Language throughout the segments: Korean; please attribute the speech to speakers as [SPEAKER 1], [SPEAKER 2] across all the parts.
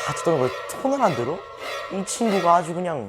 [SPEAKER 1] 같이 떠는 걸 손을 안 들어? 이 친구가 아주 그냥.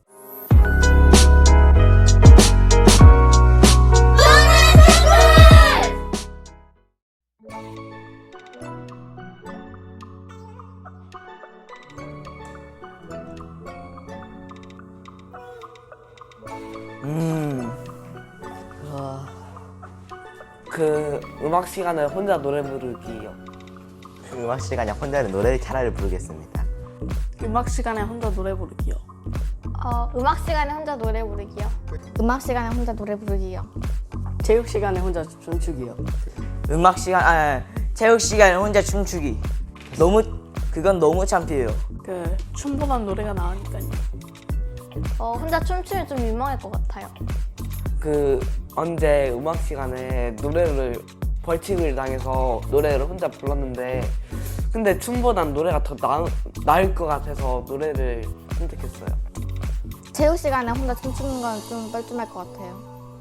[SPEAKER 2] 그 음악 시간에 혼자 노래 부르기요.
[SPEAKER 1] 그 음악 시간에 혼자는 노래를 차라리 부르겠습니다.
[SPEAKER 3] 음악 시간에 혼자 노래 부르기요.
[SPEAKER 4] 음악 시간에 혼자 노래 부르기요. 음악 시간에 혼자 노래 부르기요.
[SPEAKER 5] 체육 시간에 혼자 춤추기요.
[SPEAKER 6] 음악 시간, 체육 시간에 혼자 춤추기. 그건 너무 창피해요.
[SPEAKER 3] 그 춤보단 노래가 나으니까요.
[SPEAKER 4] 혼자 춤추면 좀 민망할 것 같아요.
[SPEAKER 2] 그 언제 음악 시간에 노래를 벌칙을 당해서 노래를 혼자 불렀는데 근데 춤보단 노래가 더 나을 것 같아서 노래를 선택했어요.
[SPEAKER 4] 체육 시간에 혼자 춤추는 건 좀 뻘쭘할 것 같아요.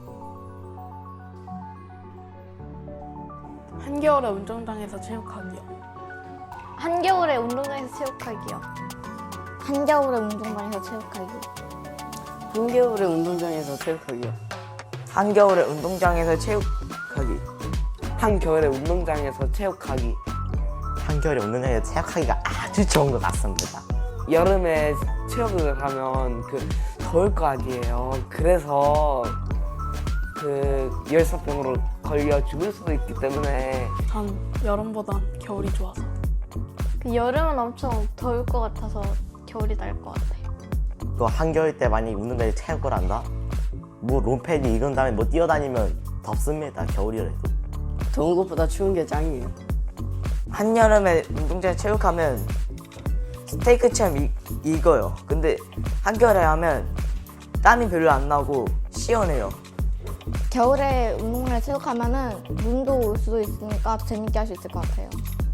[SPEAKER 3] 한겨울에 운동장에서 체육하기요.
[SPEAKER 4] 한겨울에 운동장에서 체육하기요. 한겨울에 운동장에서 체육하기.
[SPEAKER 5] 한겨울에 운동장에서 체육하기요.
[SPEAKER 6] 한겨울에 운동장에서 체육하기.
[SPEAKER 2] 한겨울에 운동장에서 체육하기.
[SPEAKER 1] 한겨울에 운동장에서 체육하기가 아주 좋은 것 같습니다.
[SPEAKER 2] 여름에 체육을 가면 그 더울 거 아니에요. 그래서 그 열사병으로 걸려 죽을 수도 있기 때문에
[SPEAKER 3] 전 여름보단 겨울이 좋아서.
[SPEAKER 4] 그 여름은 엄청 더울 것 같아서 겨울이 나을 것 같아요.
[SPEAKER 1] 또 한겨울 때 만약에 운동장에 체육을 한다? 뭐 롱패딩 입은 다음에 뭐 뛰어다니면 덥습니다. 겨울이라도.
[SPEAKER 5] 더운 것보다 추운 게 짱이에요.
[SPEAKER 6] 한여름에 운동장에 체육하면 스테이크처럼 익어요. 근데 한겨울에 하면 땀이 별로 안 나고 시원해요.
[SPEAKER 4] 겨울에 운동장에 체육하면은 눈도 올 수도 있으니까 재밌게 할 수 있을 것 같아요.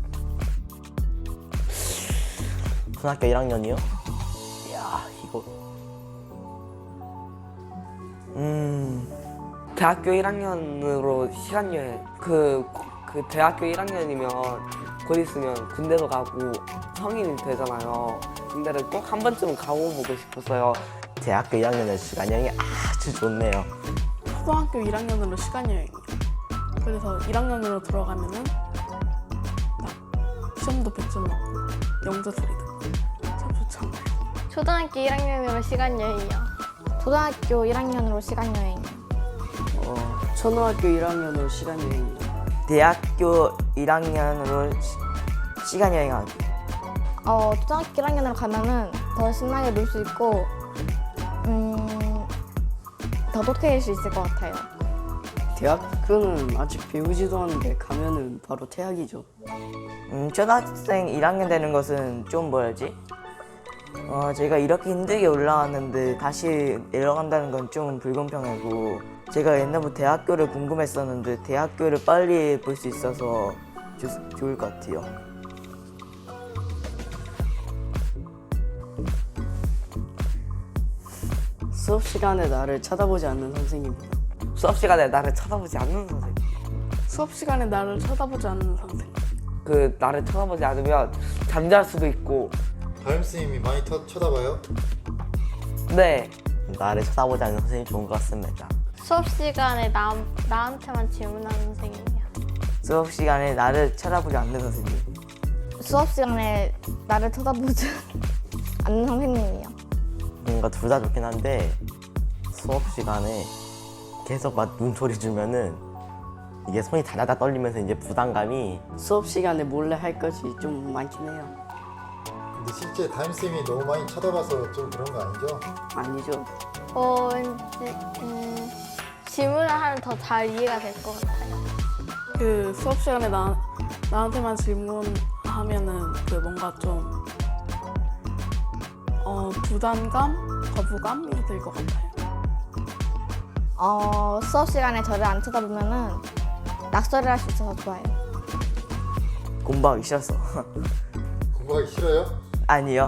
[SPEAKER 1] 초등학교 1학년이요? 이야 이거
[SPEAKER 2] 대학교 1학년으로 시간여행 그 대학교 1학년이면 곧 있으면 군대도 가고 성인이 되잖아요. 군대를 꼭 한 번쯤은 가보고 싶었어요.
[SPEAKER 1] 대학교 1학년의 시간여행이 아주 좋네요.
[SPEAKER 3] 초등학교 1학년으로 시간여행이요. 그래서 1학년으로 들어가면은 딱 시험도 100점 맞고 영재 소리 듣고 참 좋잖아요.
[SPEAKER 4] 초등학교 1학년으로 시간여행이요. 초등학교 1학년으로 시간여행이요.
[SPEAKER 5] 초등학교 1학년으로 시간여행이요.
[SPEAKER 6] 대학교 1학년으로 시간 여행하기.
[SPEAKER 4] 초등학교 1학년으로 가면은 더 신나게 놀 수 있고 더 독해질 수 있을 것 같아요.
[SPEAKER 5] 대학교는 아직 배우지도 않는데 가면은 바로 퇴학이죠.
[SPEAKER 6] 초등학생 1학년 되는 것은 좀 뭐라지? 제가 이렇게 힘들게 올라왔는데 다시 내려간다는 건 좀 불공평하고 제가 옛날부터 대학교를 궁금했었는데 대학교를 빨리 볼 수 있어서 좋을 것 같아요.
[SPEAKER 5] 수업 시간에 나를 쳐다보지 않는 선생님이요.
[SPEAKER 2] 수업 시간에 나를 쳐다보지 않는 선생님.
[SPEAKER 3] 수업 시간에 나를 쳐다보지 않는 선생님.
[SPEAKER 2] 그 나를 쳐다보지 않으면 잠잘 수도 있고.
[SPEAKER 7] 담임선생님이 많이 쳐다봐요?
[SPEAKER 2] 네.
[SPEAKER 1] 나를 쳐다보지 않는 선생님이 좋은 것 같습니다.
[SPEAKER 4] 수업 시간에 나한테만 질문하는 선생님이요.
[SPEAKER 6] 수업 시간에 나를 쳐다보지 않는 선생님.
[SPEAKER 4] 수업 시간에 나를 쳐다보지 않는 선생님이요.
[SPEAKER 1] 뭔가 둘 다 좋긴 한데 수업 시간에 계속 막 눈소리 주면은 이게 손이 다다다 떨리면서 이제 부담감이
[SPEAKER 5] 수업 시간에 몰래 할 것이 좀 많긴 해요.
[SPEAKER 7] 근데 실제 담임선생님이 너무 많이 쳐다봐서 좀 그런 거 아니죠?
[SPEAKER 5] 아니죠.
[SPEAKER 4] 왠지 질문을 하면 더 잘 이해가 될 것 같아요.
[SPEAKER 3] 그 수업 시간에 나한테만 질문하면은 그 뭔가 좀 부담감, 거부감이 들 것 같아요.
[SPEAKER 4] 수업 시간에 저를 안 쳐다보면은 낙서를 할 수 있어서 좋아요.
[SPEAKER 6] 공부하기 싫어서.
[SPEAKER 7] 공부하기 싫어요?
[SPEAKER 6] 아니요.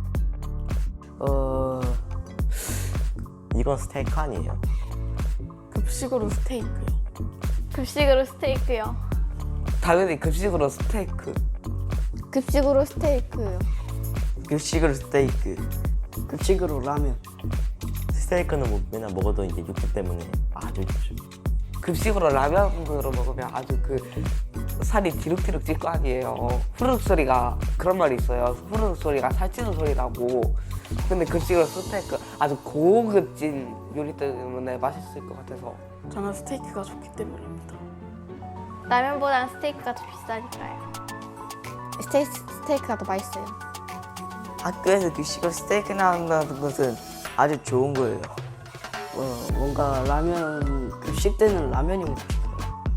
[SPEAKER 1] 이건 스테이크 아니에요?
[SPEAKER 3] 급식으로 스테이크요.
[SPEAKER 4] 급식으로 스테이크요.
[SPEAKER 2] 당연히 급식으로 스테이크.
[SPEAKER 4] 급식으로 스테이크요.
[SPEAKER 6] 급식으로 스테이크.
[SPEAKER 5] 급식으로 라면.
[SPEAKER 1] 스테이크는 뭐 맨날 먹어도 이제 육즙 때문에 아주 육즙.
[SPEAKER 2] 급식으로 라면으로 먹으면 아주 그 살이 디룩디룩 찔 거 아니에요. 후루룩 소리가 그런 말이 있어요. 후루룩 소리가 살찌는 소리라고. 근데 급식으로 스테이크 아주 고급진 요리 때문에 맛있을 것 같아서.
[SPEAKER 3] 저는 스테이크가 좋기 때문입니다.
[SPEAKER 4] 라면보다는 스테이크가 더 비싸니까요. 스테이크가 더 맛있어요.
[SPEAKER 6] 학교에서 급식으로 스테이크 나온다는 것은 아주 좋은 거예요.
[SPEAKER 5] 뭔가 라면 급식 때는 라면이 먹고 싶어요.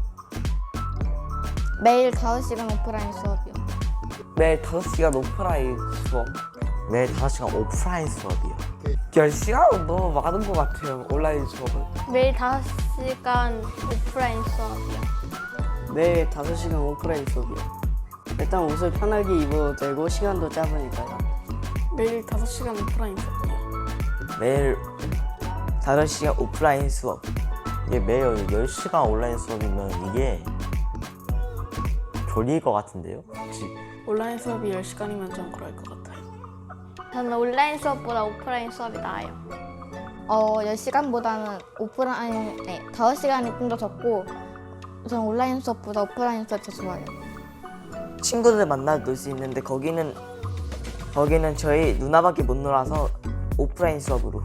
[SPEAKER 4] 매일 5시간 오프라인 수업이요.
[SPEAKER 2] 매일 5시간 오프라인 수업.
[SPEAKER 1] 매일 5시간 오프라인 수업이요.
[SPEAKER 2] 10시간은 너무 많은 것 같아요. 온라인 수업은.
[SPEAKER 4] 매일 5시간 오프라인 수업이요.
[SPEAKER 5] 매일 5시간 오프라인 수업이요. 일단 옷을 편하게 입어도 되고 시간도 짧으니까요.
[SPEAKER 3] 매일 5시간 오프라인 수업이요.
[SPEAKER 6] 매일 5시간 오프라인 수업.
[SPEAKER 1] 이게 매일 10시간 온라인 수업이면 이게 졸릴 것 같은데요? 혹시
[SPEAKER 3] 온라인 수업이 10시간이면 좀 그럴 것 같아요.
[SPEAKER 4] 저는 온라인 수업보다 오프라인 수업이 나아요. 10시간보다는 5시간이 좀 더 적고 저는 온라인 수업보다 오프라인 수업이 더 좋아요.
[SPEAKER 6] 친구들 만나 놀 수 있는데 거기는 저희 누나밖에 못 놀아서 오프라인 수업으로.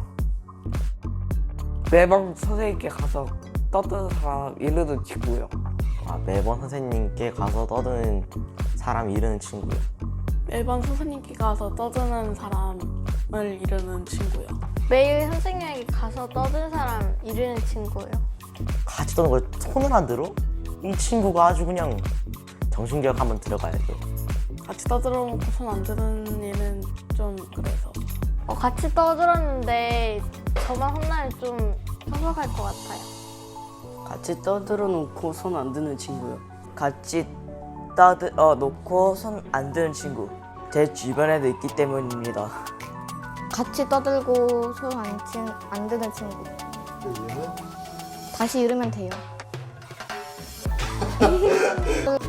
[SPEAKER 2] 매번 선생님께 가서 떠드는 사람 이르는 친구요.
[SPEAKER 1] 아, 매번 선생님께 가서 떠드는 사람 이르는 친구요.
[SPEAKER 3] 매번 선생님께 가서 떠드는 사람을 이루는 친구요.
[SPEAKER 4] 매일 선생님에게 가서 떠든 사람 이르는 친구예요.
[SPEAKER 1] 같이 떠는 걸 손을 안 들어? 이 친구가 아주 그냥 정신교육 한번 들어가야죠.
[SPEAKER 3] 같이 떠들어놓고 손 안 드는 일은 좀 그래서.
[SPEAKER 4] 같이 떠들었는데 저만 혼나면 좀 섭섭할 것 같아요.
[SPEAKER 5] 같이 떠들어 놓고 손 안 드는 친구요.
[SPEAKER 6] 같이 놓고 손 안 드는 친구. 제 주변에도 있기 때문입니다.
[SPEAKER 4] 같이 떠들고 손 안 드는 친구.
[SPEAKER 7] 그 이유는
[SPEAKER 4] 다시 이르면 돼요.